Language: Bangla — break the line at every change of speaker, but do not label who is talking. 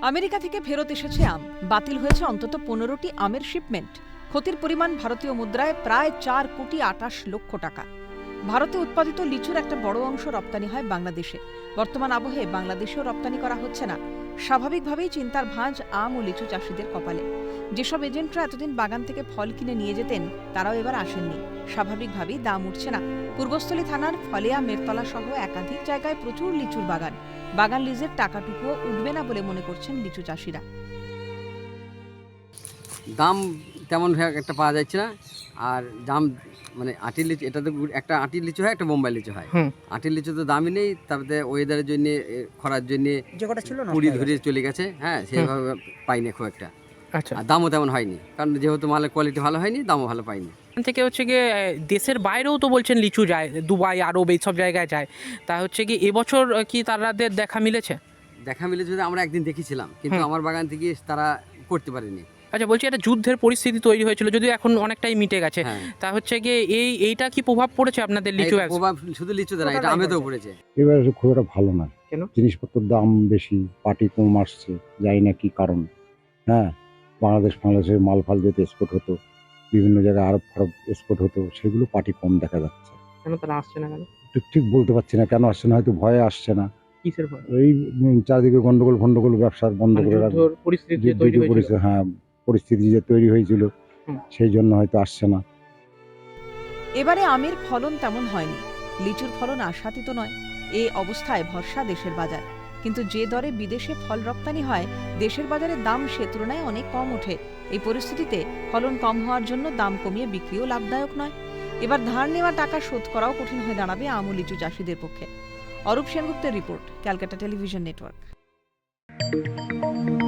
আমেরিকা থেকে ফেরত এসেছে আম। বাতিল হয়েছে অন্তত 15টি আমের শিপমেন্ট। ক্ষতির পরিমাণ ভারতীয় মুদ্রায় প্রায় 4,28,00,000 টাকা। ভারতে উৎপাদিত লিচুর একটা বড় অংশ রপ্তানি হয় বাংলাদেশে। বর্তমান আবহে বাংলাদেশেও রপ্তানি করা হচ্ছে না। স্বাভাবিকভাবেই চিন্তার ভাঁজ আম ও লিচু চাষিদের কপালে। যেসব এজেন্টরা এতদিন বাগান থেকে ফল কিনে নিয়ে যেতেন, তারাও এবার আসেননি। স্বাভাবিকভাবেই দাম উঠছে না। পূর্বস্থলী থানার ফলেয়া মেরতলা সহ একাধিক জায়গায় প্রচুর লিচুর বাগান। বাগান লিজের টাকাটুকুও উঠবে না বলে মনে করছেন লিচু চাষিরা।
দাম তেমন একটা পাওয়া যাচ্ছে না। আর দাম মানে আটির লিচু, এটা তো একটা আটির লিচু হয়, একটা বোম্বাই লিচু হয়। আটির লিচু তো দামই নেই, তারপরে ওয়েদারের জন্য, খরার জন্য কুড়ি ধরে চলে গেছে। হ্যাঁ, সেভাবে পাইনি খুব একটা।
আচ্ছা,
আর দামও তেমন হয়নি, কারণ যেহেতু মালের কোয়ালিটি ভালো হয়নি, দামও ভালো পাইনি।
এখান থেকে হচ্ছে গিয়ে দেশের বাইরেও তো বলছেন লিচু যায়, দুবাই, আরব এইসব জায়গায় যায়। তা হচ্ছে কি এবছর কি তাদের দেখা মিলেছে?
দেখা মিলে যদি আমরা একদিন দেখেছিলাম, কিন্তু আমার বাগান থেকে তারা করতে পারেনি।
আচ্ছা, বলছি একটা যুদ্ধের পরিস্থিতি তৈরি হয়েছিল, যদিও এখন অনেকটাই মিটে গেছে।
হ্যাঁ।
তা হচ্ছে গিয়ে এইটা কি প্রভাব পড়েছে আপনাদের লিচু ব্যবসা?
প্রভাব শুধু লিচুতে না, এটা আমেতেও পড়েছে।
এবার খুব একটা ভালো না।
কেন?
জিনিসপত্রের দাম বেশি, পাটি কম আসছে, জানি না কি কারণ। হ্যাঁ, বাংলাদেশের মাল ফাল যেতে এক্সপোর্ট হতো, বিভিন্ন জায়গায় আরব ফারব এক্সপোর্ট হতো, সেগুলো পাটি কম দেখা যাচ্ছে।
কেন তারা আসছে না? কেন
ঠিক বলতে পারছি না কেন আসছে না, হয়তো ভয়ে আসছে না।
কিসের ভয়?
এই চারিদিকে গন্ডগোল ব্যবসার বন্ধ করে রাখবে,
পরিস্থিতি তৈরি হয়েছিল।
হ্যাঁ, পরিস্থিতি যে তৈরি হয়েছিল, সেই জন্য হয়তো আসছে না।
এবারে আমের ফলন তেমন হয়নি, লিচুর ফলন আশাতীত নয়। এই অবস্থায় ভরসা দেশের বাজার। কিন্তু যে দরে বিদেশে ফল রপ্তানি হয়, দেশের বাজারে দাম সে তুলনায় অনেক কম ওঠে। এই পরিস্থিতিতে ফলন কম হওয়ার জন্য দাম কমিয়ে বিক্রিও লাভদায়ক নয়। এবার ধার নেওয়া টাকা শোধ করাও কঠিন হয়ে দাঁড়াবে আম ও লিচু চাষিদের পক্ষে। অরূপ সেনগুপ্তের রিপোর্ট, ক্যালকাটা টেলিভিশন নেটওয়ার্ক।